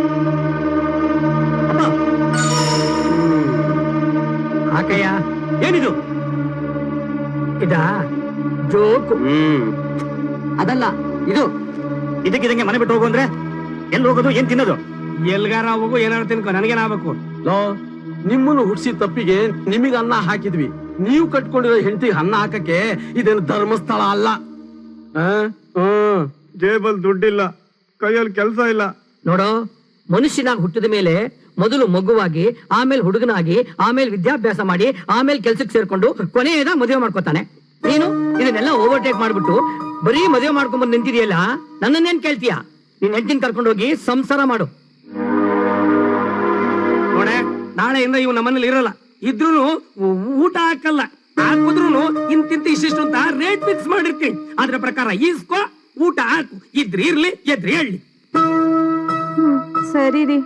ಹಾಕಯ್ಯ. ಏನಿದು? ಇದಾ ಜೋಕು? ಅದಲ್ಲ ಇದು. ಇದಕ್ಕಿದಂಗೆ ಮನೆ ಬಿಟ್ಟು ಹೋಗು ಅಂದ್ರೆ ಎಲ್ಲಿ ಹೋಗೋದು, ಏನ್ ತಿನ್ನೋದು? ಎಲ್ಗಾರ ಹೋಗು, ಏನಾರು ತಿನ್ಕೊ, ನನಗೇನಾಗಬೇಕು? ನಿಮ್ಮನ್ನು ಹುಡ್ಸಿ ತಪ್ಪಿಗೆ ನಿಮಗೆ ಅನ್ನ ಹಾಕಿದ್ವಿ. ನೀವು ಕಟ್ಕೊಂಡಿರೋ ಹೆಂಡತಿಗೆ ಅನ್ನ ಹಾಕಕ್ಕೆ ಇದೇನು ಧರ್ಮಸ್ಥಳ ಅಲ್ಲ. ಜೇಬಲ್ ದುಡ್ಡಿಲ್ಲ, ಕೈಯಲ್ಲಿ ಕೆಲಸ ಇಲ್ಲ. ನೋಡೋ, ಮನುಷ್ಯನಾಗಿ ಹುಟ್ಟಿದ ಮೇಲೆ ಮೊದಲು ಮಗುವಾಗಿ, ಆಮೇಲೆ ಹುಡುಗನಾಗಿ, ಆಮೇಲೆ ವಿದ್ಯಾಭ್ಯಾಸ ಮಾಡಿ, ಆಮೇಲೆ ಕೆಲ್ಸಕ್ಕೆ ಸೇರ್ಕೊಂಡು ಕೊನೆಯದ ಮದುವೆ ಮಾಡ್ಕೋತಾನೆ. ನೀನು ಇದನ್ನೆಲ್ಲ ಓವರ್ಟೇಕ್ ಮಾಡ್ಬಿಟ್ಟು ಬರೀ ಮದುವೆ ಮಾಡ್ಕೊಂಡ್ಬಂದು ನಿಂತಿದೆಯಲ್ಲ, ನನ್ನನ್ನೇನ್ ಕೇಳ್ತೀಯ? ನೀನ್ ಹೆಂಡತಿನ ಕರ್ಕೊಂಡೋಗಿ ಸಂಸಾರ ಮಾಡು. ನೋಡೆ, ನಾಳೆಯಿಂದ ಇವ್ ನಮ್ಮನೇಲಿ ಇರಲ್ಲ. ಇದ್ರೂ ಊಟ ಹಾಕಲ್ಲ, ಹಾಕಿದ್ರು ಇಂತಿಂತ ಇಷ್ಟಿಷ್ಟು ಅಂತ ರೇಟ್ ಫಿಕ್ಸ್ ಮಾಡಿರ್ತೀನಿ. ಅದ್ರ ಪ್ರಕಾರ ಈಸ್ಕೋ, ಊಟ ಹಾಕು. ಇದ್ರಿ ಇರ್ಲಿ, ಎದ್ರಿ ಹೇಳಿ. ಸರಿ ರೀ.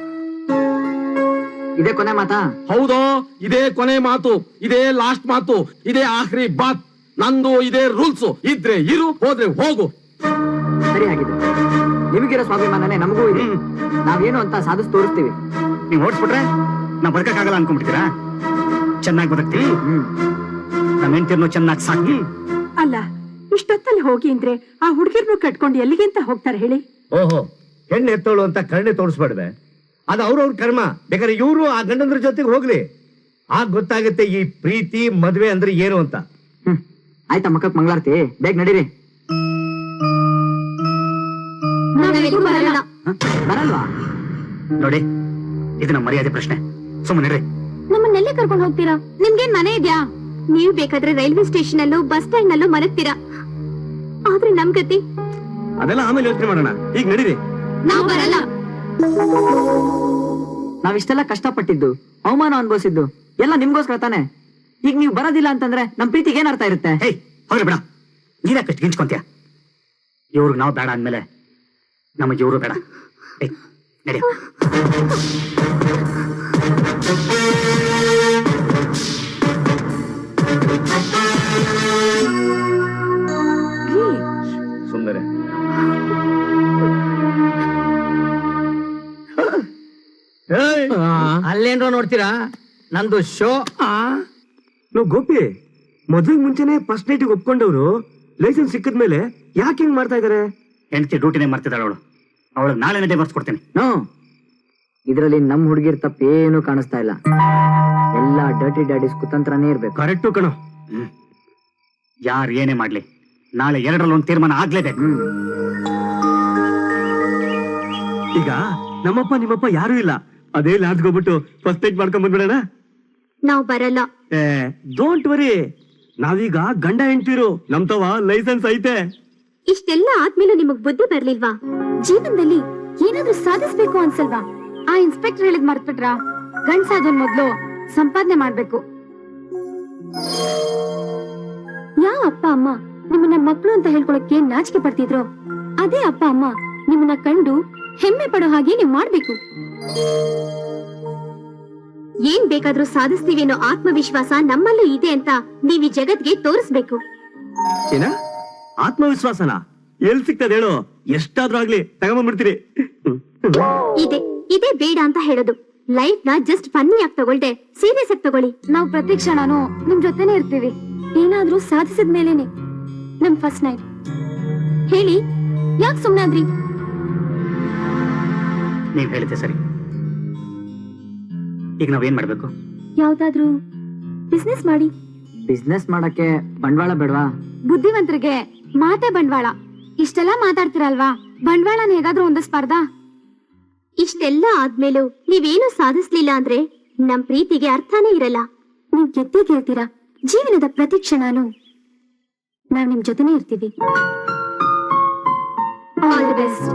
ಇದೇ ಕೊನೆ ಮಾತಾ? ಹೌದು, ಇದೇ ಕೊನೆ ಮಾತು, ಇದೇ ಲಾಸ್ಟ್ ಮಾತು, ಇದೇ ಆಖರಿ ಬಾತ್. ನಂದು ಇದೇ ರೂಲ್ಸ್. ಇದ್ರೆ ಇರು, ಹೋದ್ರೆ ಹೋಗು. ಸರಿ ಆಗಿದೆ. ನಿಮಗಿರೋ ಸ್ವಾಭಿಮಾನನೇ ನಮಗೂ ಇದೆ. ನಾವೇನು ಅಂತ ಸಾಧಿಸಿ ತೋರಿಸ್ತೀವಿ. ನೀವು ಓಡಿಸ್ಬಿಟ್ರೆ ನಾವ್ ಬದುಕಕ್ಕಾಗಲ್ಲ ಅನ್ಕೊಂಡ್ಬಿಡ್ತೀರಾ? ಚೆನ್ನಾಗಿ ಬದುಕ್ತೀವಿ, ನಮ್ಮ ಹೆಂಡತಿರ್ನು ಚೆನ್ನಾಗಿ ಸಾಕಿ. ಅಲ್ಲ, ಇಷ್ಟೊತ್ತಲ್ಲಿ ಹೋಗಿ ಅಂದ್ರೆ ಆ ಹುಡುಗಿರ್ನು ಕಟ್ಕೊಂಡು ಎಲ್ಲಿಗೆ ಅಂತ ಹೋಗ್ತಾರೆ ಹೇಳಿ? ಓಹೋ, ಹೆಣ್ಣು ಎತ್ತೋಳು ಅಂತ ಕರುಣೆ ತೋರಿಸ್ಬಾರ್ದೆ? ಅದು ಅವ್ರವ್ರ ಕರ್ಮ. ಬೇಕಾದ್ರೆ ಇವರು ಆ ಗಂಡಂದ್ರ ಜೊತೆಗೆ ಹೋಗ್ಲಿ, ಆಗ ಗೊತ್ತಾಗುತ್ತೆ ಈ ಪ್ರೀತಿ ಮದ್ವೆ ಅಂದ್ರೆ ಏನು ಅಂತ. ಆಯ್ತಾ ಮಕ್ಕಕ್ ಮಂಗಳಾರತಿ, ಬೇಗ ನಡೀರಿ. ಬರಲ್ವಾ? ನೋಡಿ, ಇದು ನಮ್ಮ ಮರ್ಯಾದೆ ಪ್ರಶ್ನೆ. ಸುಮ್ಮನೆ ನಮ್ಮನ್ನೆಲ್ಲ ಕರ್ಕೊಂಡು ಹೋಗ್ತೀರಾ? ನಿಮ್ಗೇನ್ ಮನೆ ಇದ್ಯಾ? ನೀವ್ ಬೇಕಾದ್ರೆ ರೈಲ್ವೆ ಸ್ಟೇಷನ್ ಅಲ್ಲೂ ಬಸ್ ಸ್ಟ್ಯಾಂಡ್ ನಲ್ಲೂ ಮಲಗ್ತೀರಾ. ಆದ್ರೆ ನಮ್ ಗತಿ ಅದೆಲ್ಲ ಆಮೇಲೆ ಯೋಚನೆ ಮಾಡೋಣ. ಈಗ ನಡೀರಿ. ನಾವ್ ಬರಲ್ಲ. ನಾವಿಷ್ಟೆಲ್ಲ ಕಷ್ಟಪಟ್ಟಿದ್ದು, ಅವಮಾನ ಅನುಭವಿಸಿದ್ದು ಎಲ್ಲ ನಿಮ್ಗೋಸ್ಕರ ತಾನೆ. ಈಗ ನೀವು ಬರೋದಿಲ್ಲ ಅಂತಂದ್ರೆ ನಮ್ ಪ್ರೀತಿಗೆ ಏನ್ ಅರ್ಥ ಇರುತ್ತೆ? ಹೇಯ್, ಹೋಗ್ರಿ ಬಿಡ. ನೀರ್ಯಾಕಷ್ಟು ಗಿಂಚ್ಕೊಂತೀಯ? ಇವ್ರಿಗೆ ನಾವು ಬೇಡ ಅಂದ್ಮೇಲೆ ನಮಗೆ ಇವರು ಬೇಡ. ನಡಿ. ಸುಂದರ, ಅಲ್ಲೇನ್ರೋ ನೋಡ್ತೀರಾ? ನಂದು ಶೋ. ನಾವು ಗೋಪಿ ಮದುವೆಗೆ ಮುಂಚೆನೆ ಫಸ್ಟ್ ನೈಟಿಗೆ ಒಪ್ಕೊಂಡವ್ರು ಲೈಸೆನ್ಸ್ ಸಿಕ್ಕಿದ್ಮೇಲೆ ಯಾಕೆ ಹಿಂಗ್ ಮಾಡ್ತಾ ಇದಾರೆ? ಹೆಂಡತಿ ಡ್ಯೂಟಿನೇ ಮಾಡ್ತಿದ್ದಾಳೆ ಅವಳು. ಅವಳು ನಾಳೆ ಡೈವರ್ಸ್ ಕೊಡ್ತೀನಿ. ಇದ್ರಲ್ಲಿ ನಮ್ ಹುಡುಗಿರ್ ತಪ್ಪೇನು ಕಾಣಿಸ್ತಾ ಇಲ್ಲ. ಎಲ್ಲ ಡರ್ಟಿ ಡ್ಯಾಡೀಸ್ ಕುತಂತ್ರನೇ ಇರ್ಬೇಕು. ಕರೆಕ್ಟು ಕಣ. ಯಾರು ಏನೇ ಮಾಡ್ಲಿ, ನಾಳೆ ಎರಡರಲ್ಲಿ ಒಂದು ತೀರ್ಮಾನ ಆಗ್ಲೇಬೇಕು. ಈಗ ನಮ್ಮಪ್ಪ ನಿಮ್ಮಪ್ಪ ಯಾರು ಇಲ್ಲ, ಅದೇ ಲಾಡ್ಜ್ಗೆ ಹೋಗ್ಬಿಟ್ಟು ಫಸ್ಟ್ ನೈಟ್ ಮಾಡ್ಕೊಂಡ್ ಬಂದ್ಬಿಡೋಣ. ನಾವ್ ಬರಲ್ಲ. ಡೋಂಟ್ ವರಿ, ನಾವೀಗ ಗಂಡ ಹೆಂಡ್ತಿರು, ನಮ್ತವ ಲೈಸೆನ್ಸ್ ಐತೆ. ಇಷ್ಟೆಲ್ಲ ಆದ್ಮೇಲೆ ನಿಮಗ್ ಬುದ್ಧಿ ಬರ್ಲಿಲ್ವಾ? ಜೀವನದಲ್ಲಿ ಏನಾದ್ರೂ ಸಾಧಿಸ್ಬೇಕು ಅನ್ಸಲ್ವಾ? ಆ ಇನ್ಸ್ಪೆಕ್ಟರ್ ಹೇಳಿದ್ ಮರ್ತ್ಬಿಟ್ರಾ? ಗಂಡ್ಸಾದನ್ ಮೊದ್ಲು ಸಂಪಾದನೆ ಮಾಡ್ಬೇಕು. ಯಾವ ಅಪ್ಪ ಅಮ್ಮ ನಿಮ್ಮನ್ನ ಮಕ್ಳು ಅಂತ ಹೇಳ್ಕೊಳಕ್ಕೆ ನಾಚಿಕೆ ಪಡ್ತಿದ್ರು, ಅದೇ ಅಪ್ಪ ಅಮ್ಮ ನಿಮ್ಮನ್ನ ಕಂಡು ಹೆಮ್ಮೆ ಪಡೋ ಹಾಗೆ ನೀವ್ ಮಾಡ್ಬೇಕು. ಏನ್ ಬೇಕಾದ್ರೂ ಸಾಧಿಸ್ತೀವಿ ಅನ್ನೋ ಆತ್ಮವಿಶ್ವಾಸ ನಮ್ಮಲ್ಲೂ ಇದೆ ಅಂತ ನೀವ್ ಈ ಜಗತ್ಗೆ ತೋರಿಸ್ಬೇಕು. ಏನ ಆತ್ಮವಿಶ್ವಾಸನ ಎಲ್ ಸಿಗ್ತದೆ ಹೇಳು? ಎಷ್ಟಾದ್ರೂ ಆಗ್ಲಿ ತಗೊಂಡ್ಬಿಡ್ತೀರಿ. ಇದೇ ಬೇಡ ಅಂತ ಹೇಳೋದು. ಲೈಫ್ ನ ಜಸ್ಟ್ ಫನ್ನಿ ಆಗಿ ತಗೊಳ್ದೆ ಸೀರಿಯಸ್ ಆಗಿ ತಗೊಳ್ಳಿ. ನಾವ್ ಪ್ರತಿ ಕ್ಷಣನೂ ನಿಮ್ ಜೊತೆನೆ ಇರ್ತೀವಿ. ಏನಾದ್ರೂ ಸಾಧಿಸಿದ ಮೇಲೇನೆ ನಮ್ ಫಸ್ಟ್ ನೈಟ್. ಹೇಳಿ, ಯಾಕೆ ಸುಮ್ನಾದ್ರಿ? ನೀವ್ ಹೇಳಿದ್ದೆ ಸರಿ. ಈಗ ನಾವೇನ್ ಮಾಡ್ಬೇಕು? ಯಾವ್ದಾದ್ರೂ ಬಿಸ್ನೆಸ್ ಮಾಡಿ. ಬಿಸ್ನೆಸ್ ಮಾಡಕ್ಕೆ ಬಂಡವಾಳ ಬೇಡವಾ? ಬುದ್ಧಿವಂತರಿಗೆ ಮಾತೆ ಬಂಡವಾಳ. ಇಷ್ಟೆಲ್ಲ ಮಾತಾಡ್ತಿರಲ್ವಾ, ಬಂಡವಾಳನ ಹೇಗಾದ್ರೂ ಒಂದು ಸ್ಪರ್ಧಾ. ಇಷ್ಟೆಲ್ಲ ಆದ್ಮೇಲೂ ನೀವೇನು ಸಾಧಿಸ್ಲಿಲ್ಲ ಅಂದ್ರೆ ನಮ್ ಪ್ರೀತಿಗೆ ಅರ್ಥನೇ ಇರಲ್ಲ. ನೀವ್ ಗೆದ್ದೇ ಗೆಲ್ತೀರಾ. ಜೀವನದ ಪ್ರತಿ ಕ್ಷಣನೂ ನಾವ್ ನಿಮ್ ಜೊತೆನೇ ಇರ್ತೀವಿ. All the best.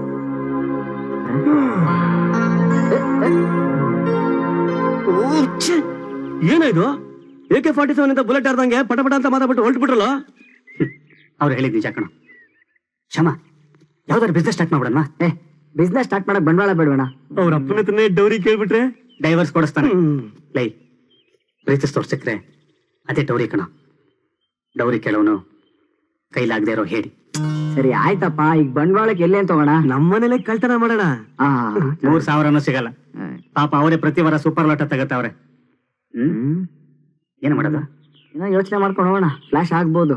ಏನಾಯ್ತು? AK-47 ಅಂತ ಬುಲೆಟ್ ಆರ್ದಂಗೆ ಪಟಪಟ ಅಂತ ಮಾತಾಡ್ಬಿಟ್ಟು ಹೊರಟ್ಬಿಟ್ರಲ್ಲ. ಅವ್ರು ಹೇಳಿದ್ ನಿಜ ಕಣ. ಕ್ಷಮ, ಯಾವ್ದಾದ್ರು ಬಿಸ್ನೆಸ್ ಸ್ಟಾರ್ಟ್ ಮಾಡ್ಬಿಡೋಣ. ಬಿಸ್ನೆಸ್ ಸ್ಟಾರ್ಟ್ ಮಾಡಕ್ ಬಂಡವಾಳ ಬೇಡವಣ. ಅವ್ರ ಅಪ್ಪನ ಹತ್ರನೇ ಡೌರಿ ಕೇಳ್ಬಿಟ್ರೆ ಡೈವರ್ಸ್ ಕೊಡಿಸ್ತಾನೆ. ಲೈ, ಪ್ರೀತಿಸ್ತವ್ರು ಸಿಕ್ರೆ ಅದೇ ಡೌರಿ ಕಣ. ಡೌರಿ ಕೇಳೋನು ಕೈಲಾಗದೆ ಇರೋ ಹೇಳಿ. ಸರಿ ಆಯ್ತಪ್ಪ, ಈಗ ಬಂಡವಾಳಕ್ಕೆ ಎಲ್ಲಿ ಅಂತ ಹೋಗೋಣ? ನಮ್ಮನೇಲೆ ಕಳ್ತನ ಮಾಡೋಣ. ಆ, 3,000 ಸಿಗಲ್ಲ ಪಾಪ, ಅವರೇ ಪ್ರತಿ ವಾರ ಸೂಪರ್ ಲಾಟ ತಗತ್ತವ್ರೆ. ಏನ್ ಮಾಡೋದು? ಏನೋ ಯೋಚನೆ ಮಾಡ್ಕೊಂಡು ಹೋಗೋಣ, ಫ್ಲಾಶ್ ಆಗ್ಬೋದು.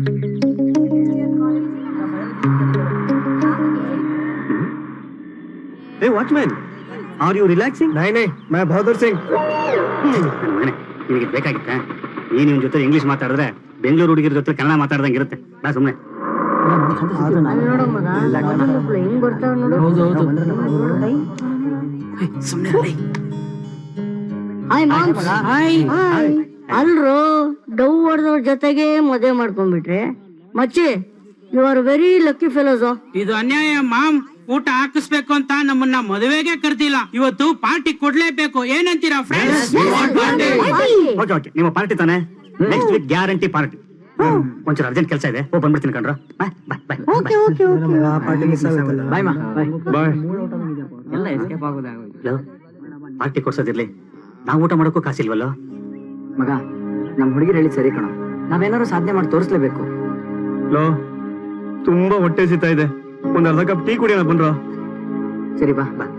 ಏ ವಾಚ್ಮ್ಯಾನ್, ಆರ್ ಯು ರಿಲ್ಯಾಕ್ಸಿಂಗ್? ನೈ ಮೈ ಬಹದ್ದೂರ್ ಸಿಂಗ್. ನನ್ನ ಮಗನೇ, ನಿನಗೆ ಬೇಕಾಗಿತ್ತ? ನೀನ್ ಇವನ್ ಜೊತೆ ಇಂಗ್ಲಿಷ್ ಮಾತಾಡಿದ್ರೆ ಬೆಂಗಳೂರು ಹುಡುಗಿರ ಜೊತೆ ಕನ್ನಡ ಮಾತಾಡ್ದಂಗೆ ಇರುತ್ತೆ. ಬಾ ಸುಮ್ನೆ. ಅಲ್ರು ಡವ್ ಹೊಡೆದವ್ರ ಜೊತೆಗೆ ಮದುವೆ ಮಾಡ್ಕೊಂಡ್ಬಿಟ್ರೆ ಮಚ್ಚಿ, you are very lucky fellows. ಇದು ಅನ್ಯಾಯ ಮಾಮ್. ಊಟ ಹಾಕಿಸ್ಬೇಕು ಅಂತ ನಮ್ಮನ್ನ ಮದುವೆಗೆ ಕರ್ದಿಲ್ಲ, ಇವತ್ತು ಪಾರ್ಟಿ ಕೊಡ್ಲೇಬೇಕು. ಏನಂತೀರಾ ಫ್ರೆಂಡ್ಸ್? ಓಕೆ ಓಕೆ, ನಿಮ್ಮ ಪಾರ್ಟಿ ತಾನೆ? Next week guarantee party. ಒಂಚೂರು ಅರ್ಜೆಂಟ್ ಕೆಲಸ ಇದೆ, ಹೋಗಿ ಬಂದ್ಬಿಡ್ತೀನಿ ಕಣ್ರ. ಬಾಯ್ ಬಾಯ್ ಬಾಯ್ ಬಾಯ್ ಮಾ, ಬಾಯ್. ಬಾಯ್. ಎಲ್ಲ ಎಸ್ಕೇಪ್ ಆಗೋದಾಗೋಯ್ತು. ಪಾರ್ಟಿ ಕೊಡ್ಸೋದಿರ್ಲಿ, ನಾವು ಊಟ ಮಾಡೋಕ್ಕೂ ಕಾಸಿಲ್ವಲ್ಲೋ? ಮಗ, ನಮ್ ಹುಡುಗಿರು ಹೇಳಿದ್ ಸರಿ ಕಣ, ನಾವೇನಾದ್ರು ಸಾಧನೆ ಮಾಡಿ ತೋರಿಸ್ಲೇಬೇಕು. ಲೋ, ತುಂಬಾ ಹೊಟ್ಟೆ ಸಿಗ್ತಾ ಇದೆ, ಒಂದ್ ಅರ್ಧ ಕಪ್ ಟೀ ಕುಡಿಯೋಣ ಬನ್ರೋ. ಸರಿ ಬಾ ಬಾ.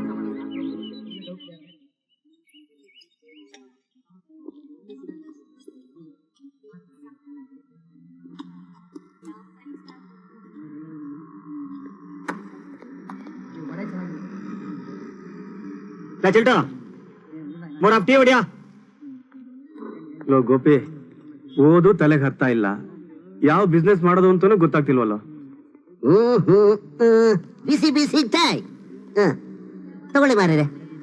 ಚಿಲ್ಟು, ಮೂರ್ ಟೀ ಹೊಡಿಯಾ. ಲೋ ಗೋಪಿ, ಓದು ತಲೆಗೆ ಹತ್ತಾ ಇಲ್ಲ, ಯಾವ ಬಿಸ್ನೆಸ್ ಮಾಡೋದು ಅಂತಾನೂ ಗೊತ್ತಾಗ್ತಿಲ್ವಲ್ಲ. ಬಿಸಿ ಬಿಸಿ ಚಾಯ್ ತಗೊಳ್ಳಿ ಮಾರ್ರೆ.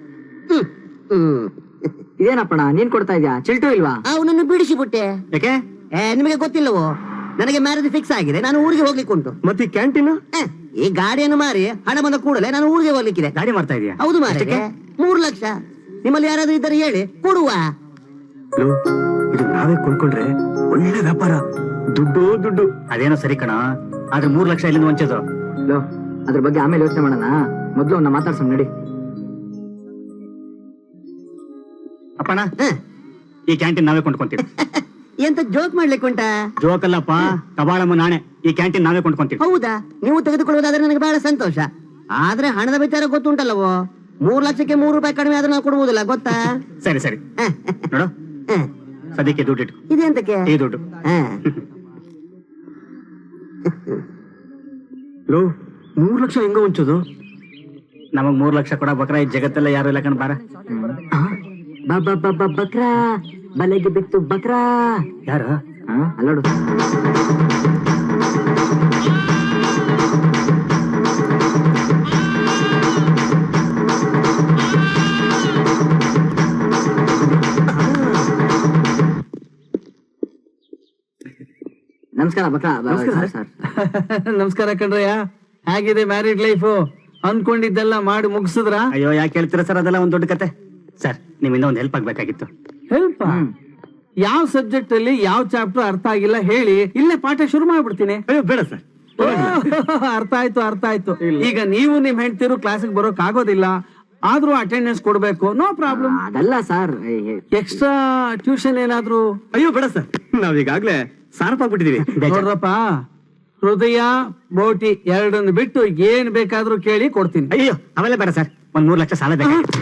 ಇದೇನಪ್ಪಣ ನೀನ್ ಕೊಡ್ತಾ ಇದ್ಯಾ? ಚಿಲ್ಟು ಇಲ್ವಾ? ಅವನನ್ನು ಬಿಡಿಸಿಬಿಟ್ಟೆ. ಯಾಕೆ? ನಿಮಗೆ ಗೊತ್ತಿಲ್ಲವೋ, ನನಗೆ ಮ್ಯಾರೇಜ್ ಫಿಕ್ಸ್ ಆಗಿದೆ, ನಾನು ಊರಿಗೆ ಹೋಗ್ಲಿಕ್ಕೆ ಉಂಟು. ಮತ್ತೆ ಈ ಕ್ಯಾಂಟೀನ್? ಈ ಗಾಡಿಯನ್ನು ಮಾರಿ ಹಣ ಬಂದ ಕೂಡಲೇ ನಾನು ಊರಿಗೆ ಹೋಗ್ಲಿಕ್ಕಿದೆ. ಗಾಡಿ ಮಾಡ್ತಾ ಇದೀಯಾ? ಹೌದು ಮಾರ್ರೆ, 3 ಲಕ್ಷ. ನಿಮ್ಮಲ್ಲಿ ಯಾರಾದ್ರೂ ಇದ್ದರೆ ಹೇಳಿ, ಕೊಡುವ. ಇದು ನಾವೇ ಕೊಂಡ್ಕೊಂಡ್ರೆ ಒಳ್ಳೆ ವ್ಯಾಪಾರ, ದುಡ್ಡು ದುಡ್ಡು. ಅದೇನೋ ಸರಿ ಕಣ, ಆದ್ರೆ 3 ಲಕ್ಷ ಎಲ್ಲಿಂದ ವಂಚೋದು? ಲೋ, ಅದ್ರ ಬಗ್ಗೆ ಆಮೇಲೆ ಯೋಚನೆ ಮಾಡೋಣ, ಮೊದ್ಲು ಅವ್ನ ಮಾತಾಡ್ಸೋಣ ನಡಿ. ಅಪ್ಪಣ, ಈ ಕ್ಯಾಂಟೀನ್ ನಾವೇ ಕೊಂಡ್ಕೊಂತೀವಿ. ಎಂತ ಜೋಕ್ ಮಾಡ್ಲಿಕ್ಕೆ ಉಂಟಾ? ಜೋಕಲ್ಲಪ್ಪ, ಕಬಾಳಮ್ಮ ನಾಣೆ, ಈ ಕ್ಯಾಂಟೀನ್ ನಾವೇ ಕೊಂಡ್ಕೊಂತೀವಿ. ಹೌದಾ? ನೀವು ತೆಗೆದುಕೊಳ್ಳುವುದಾದ್ರೆ ನನಗೆ ಬಹಳ ಸಂತೋಷ. ಆದ್ರೆ ಹಣದ ವಿಚಾರ ಗೊತ್ತುಂಟಲ್ಲವೋ, 3 ಲಕ್ಷಕ್ಕೆ 3 ರೂಪಾಯಿ ಕಡಿಮೆ ಆದ್ರೆ ನಾವು ಕೊಡುವುದಿಲ್ಲ, ಗೊತ್ತಾ? ಸರಿ ಸರಿ, ನೋಡು ಸದ್ಯಕ್ಕೆ ದುಡ್ಡು ಇಟ್ಟು. ಇದೆಂತಕ್ಕೆ? ಈ ದುಡ್ಡು. ಲೋ, 3 ಲಕ್ಷ ಹೆಂಗ ವಂಚೋದು? ನಮಗ್ 3 ಲಕ್ಷ ಕೊಡ ಬಕ್ರ ಈ ಜಗತ್ತೆಲ್ಲ ಯಾರು ಇಲ್ಲ ಕಣ್. ಬಾರ ಬಕ್ರಾ, ಬಲೆಗೆ ಬಿತ್ತು ಬಕ್ರಾ. ಯಾರು? ಅಲ್ಲೋಡು. ನಮಸ್ಕಾರ ಬಕ್ರಾ. ಸರ್ ನಮಸ್ಕಾರ ಕಣ್ರಯ್ಯ, ಹೇಗಿದೆ ಮ್ಯಾರಿಡ್ ಲೈಫ್? ಅನ್ಕೊಂಡಿದ್ದೆಲ್ಲ ಮಾಡಿ ಮುಗಿಸಿದ್ರ? ಅಯ್ಯೋ, ಯಾಕೆ ಹೇಳ್ತೀರಾ ಸರ್, ಅದೆಲ್ಲ ಒಂದ್ ದೊಡ್ಡ ಕತೆ. ಸರ್, ನಿಮ್ಮಿಂದ ಒಂದ್ ಹೆಲ್ಪ್ ಆಗ್ಬೇಕಾಗಿತ್ತು. ಹೆಲ್ಪ? ಯಾವ ಸಬ್ಜೆಕ್ಟ್ ಅಲ್ಲಿ ಯಾವ ಚಾಪ್ಟರ್ ಅರ್ಥ ಆಗಿಲ್ಲ ಹೇಳಿ, ಇಲ್ಲೇ ಪಾಠ ಶುರು ಮಾಡ್ಬಿಡ್ತೀನಿ. ಅಯ್ಯೋ ಬೇಡ ಸರ್. ಅರ್ಥ ಆಯ್ತು ಅರ್ಥ ಆಯ್ತು. ಈಗ ನೀವು ನಿಮ್ ಹೆಂಡ್ತಿರು ಕ್ಲಾಸಿಗೆ ಬರೋಕ್ ಆಗೋದಿಲ್ಲ, ಆದ್ರೂ ಅಟೆಂಡೆನ್ಸ್ ಕೊಡ್ಬೇಕು, ನೋ ಪ್ರಾಬ್ಲಮ್. ಅದಲ್ಲ ಸರ್, ಎಕ್ಸ್ಟ್ರಾ ಟ್ಯೂಷನ್ ಏನಾದ್ರು? ಅಯ್ಯೋ ಬೇಡ ಸರ್, ನಾವೀಗಾಗ್ಲೇ ಸಾರಪಾಗ್ಬಿಟ್ಟಿದೀವಿ. ನೋಡ್ರಪ್ಪ, ಹೃದಯ ಬೋಟಿ ಎರಡನ್ನು ಬಿಟ್ಟು ಏನ್ ಬೇಕಾದ್ರೂ ಕೇಳಿ ಕೊಡ್ತೀನಿ. ಅಯ್ಯೋ ಅವೆಲ್ಲ ಬೇಡ ಸರ್, ಒಂದ್ 3 ಲಕ್ಷ ಸಾಲ ಬೇಕಾಗಿತ್ತು.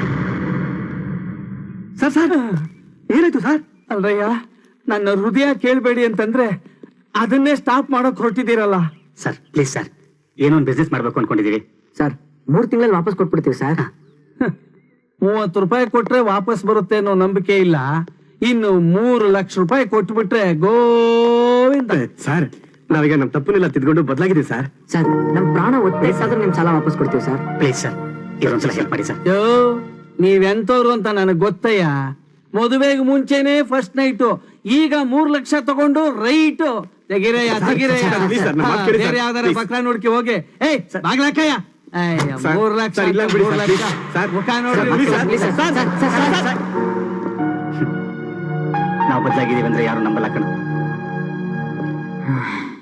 ಸರ್ ಸರ್, ಏನಾಯ್ತು ಸರ್? ಅಲ್ರಯ್ಯ, ನನ್ನ ಹೃದಯ ಕೇಳ್ಬೇಡಿ ಅಂತಂದ್ರೆ ಅದನ್ನೇ ಸ್ಟಾಪ್ ಮಾಡಕ್ ಹೊರಟಿದ್ದೀರಲ್ಲ. ಸರ್ ಪ್ಲೀಸ್ ಸರ್, ಏನೋ ಒಂದು ಬಿಸ್ನೆಸ್ ಮಾಡ್ಬೇಕು ಅನ್ಕೊಂಡಿದೀವಿ. ಸರ್ 3 ತಿಂಗಳಲ್ಲಿ ವಾಪಸ್ ಕೊಟ್ಬಿಡ್ತೀವಿ ಸರ್. 30 ರೂಪಾಯಿ ಕೊಟ್ರೆ ವಾಪಸ್ ಬರುತ್ತೆ ಅನ್ನೋ ನಂಬಿಕೆ ಇಲ್ಲ, ಇನ್ನು 3 ಲಕ್ಷ ರೂಪಾಯಿ ಕೊಟ್ಬಿಟ್ರೆ ಗೋವಿಂದ. ಸರ್, ನಾವೀಗ ನಮ್ ತಪ್ಪನ್ನೆಲ್ಲ ತಿದ್ಕೊಂಡು ಬದಲಾಗಿದ್ದೀವಿ ಸರ್. ಸರ್, ನಮ್ ಪ್ರಾಣ ಒತ್ತಾದ್ರೂ ನಿಮ್ ಸಾಲ ವಾಪಸ್ ಕೊಡ್ತೀವಿ ಸರ್. ಪ್ಲೀಸ್ ಸರ್, ಇದೊಂದ್ಸಲ ಹೆಲ್ಪ್ ಮಾಡಿ ಸರ್. ಯೋ, ನೀವೆಂತವ್ರು ಅಂತ ನನಗ್ ಗೊತ್ತಯ್ಯ. ಮದುವೆಗೆ ಮುಂಚೆನೆ ಫಸ್ಟ್ ನೈಟು, ಈಗ 3 ಲಕ್ಷ ತಗೊಂಡು ರೈಟ್ ತೆಗಿರಯ್ಯ ತೆಗಿರಯ್ಯ. please sir, ನಮ್ಮ ಮಾತು ಕೇಳಿ sir, ಬೇರೆ ಯಾವ್ದಾರ please. ಬಕ್ರ ನೋಡ್ಕಿ ಹೋಗಿ. ಏಯ್ ಬಾಗ್ಲಕ್ಕಯ್ಯ, 3 ಲಕ್ಷ sir, ಇಲ್ಲ ಬಿಡಿ sir, 3 ಲಕ್ಷ sir. ಮುಖ ನೋಡಿ. please sir, ನಾವು ಬದಲಾಗಿದ್ದೀವಿ ಅಂದ್ರೆ ಯಾರು ನಂಬಲ್ಲ ಕಣ.